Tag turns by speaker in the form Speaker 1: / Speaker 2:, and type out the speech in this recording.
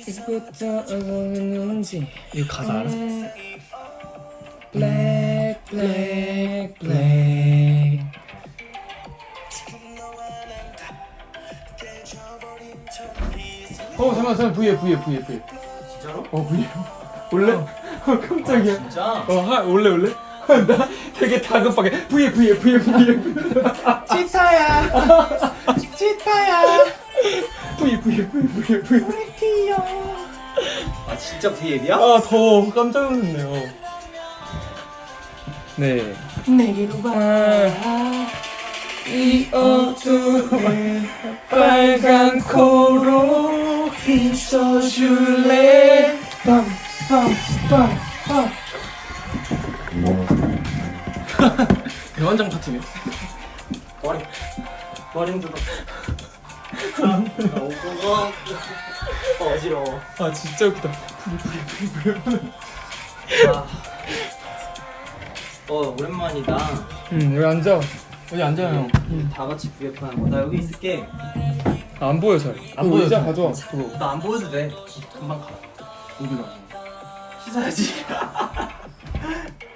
Speaker 1: 이제부터 어느는지
Speaker 2: 이거 가사 알아?
Speaker 1: Black black black
Speaker 2: 잠깐만 V에
Speaker 1: 진짜로?
Speaker 2: V에 원래? 깜짝이야.
Speaker 1: 진짜?
Speaker 2: 원래? 나 되게 다급하게 V에
Speaker 1: 치타야
Speaker 2: V
Speaker 1: 아 진짜 V앱이야?
Speaker 2: 더 깜짝 놀랐네요. 네.
Speaker 1: 내게로 와 이 어둠에 빨간 코로 비춰줄래
Speaker 2: 대환장 파티네.
Speaker 1: 머리 흔들어 어지러워
Speaker 2: 진짜 웃기다.
Speaker 1: 오랜만이다
Speaker 2: 여기 앉아. 어디 앉아요.
Speaker 1: 다 같이 V앱 하는 거 나 여기 있을게
Speaker 2: 안 보여 잘.
Speaker 1: 안 보여,
Speaker 2: 의자
Speaker 1: 잘.
Speaker 2: 가져와. 그거.
Speaker 1: 나 안 보여도 돼 금방 가
Speaker 2: 어디가?
Speaker 1: 씻어야지